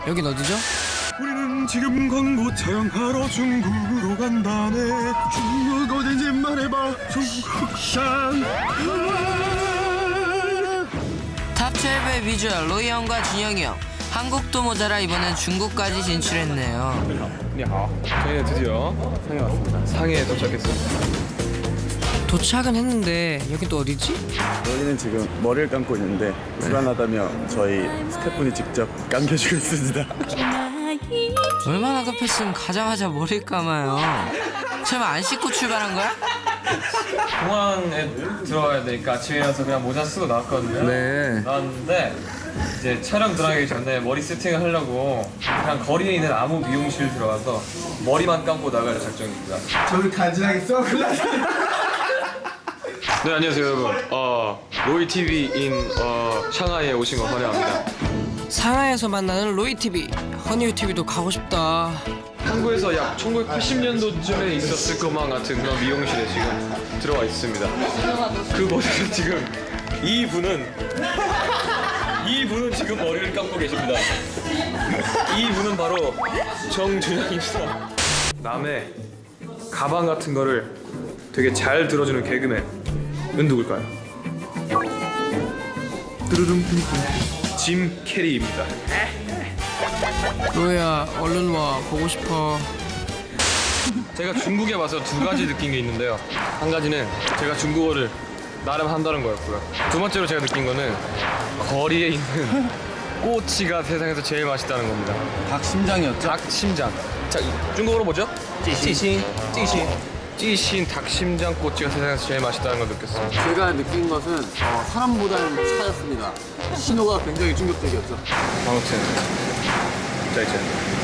여긴 어디죠? 우리는 지금 광고 촬영하러 중국으로 간다네. 중국 어딘지 말해봐. 중국산. 탑 12의 비주얼 로이 형과 준영이 형. 한국도 모자라 이번엔 중국까지 진출했네요. 저희는 드디어 상해 왔습니다. 상해에 도착했습니다. 도착은 했는데 여긴 또 어디지? 저희는 지금 머리를 감고 있는데 불안하다며 저희 스태프분이 직접 감겨주고 있습니다. 얼마나 급했으면 가자마자 머리 감아요. 설마 안 씻고 출발한 거야? 공항에 들어가야 되니까 아침에 일어나서 그냥 모자 쓰고 나왔거든요. 네. 나왔는데 이제 촬영 들어가기 전에 머리 세팅을 하려고 그냥 거리에 있는 아무 미용실 들어가서 머리만 감고 나갈 작정입니다. 저는 간지나게 선글라스. 네, 안녕하세요 여러분. 로이 TV인 샹하이에 오신 거 환영합니다. 상하이에서 만나는 로이 TV. 허니유 TV도 가고 싶다. 한국에서 약 1980년도쯤에 있었을 것만 같은 그런 미용실에 지금 들어와 있습니다. 그곳에서 지금 이분은 지금 머리를 감고 계십니다. 이분은 바로 정준영입니다. 남의 가방 같은 거를 되게 잘 들어주는 개그맨은 누굴까요? 뚜루룽 짐 캐리입니다. 로이야 얼른 와 보고 싶어. 제가 중국에 와서 두 가지 느낀 게 있는데요. 한 가지는 제가 중국어를 나름 한다는 거였고요. 두 번째로 제가 느낀 거는 거리에 있는 꼬치가 세상에서 제일 맛있다는 겁니다. 닭심장이었죠? 닭심장. 자, 중국어로 뭐죠? 찌신. 찌신 닭심장 꼬치가 세상에서 제일 맛있다는 걸 느꼈습니다. 제가 느낀 것은 사람보다는 차였습니다. 신호가 굉장히 충격적이었죠. 아무튼 자 이제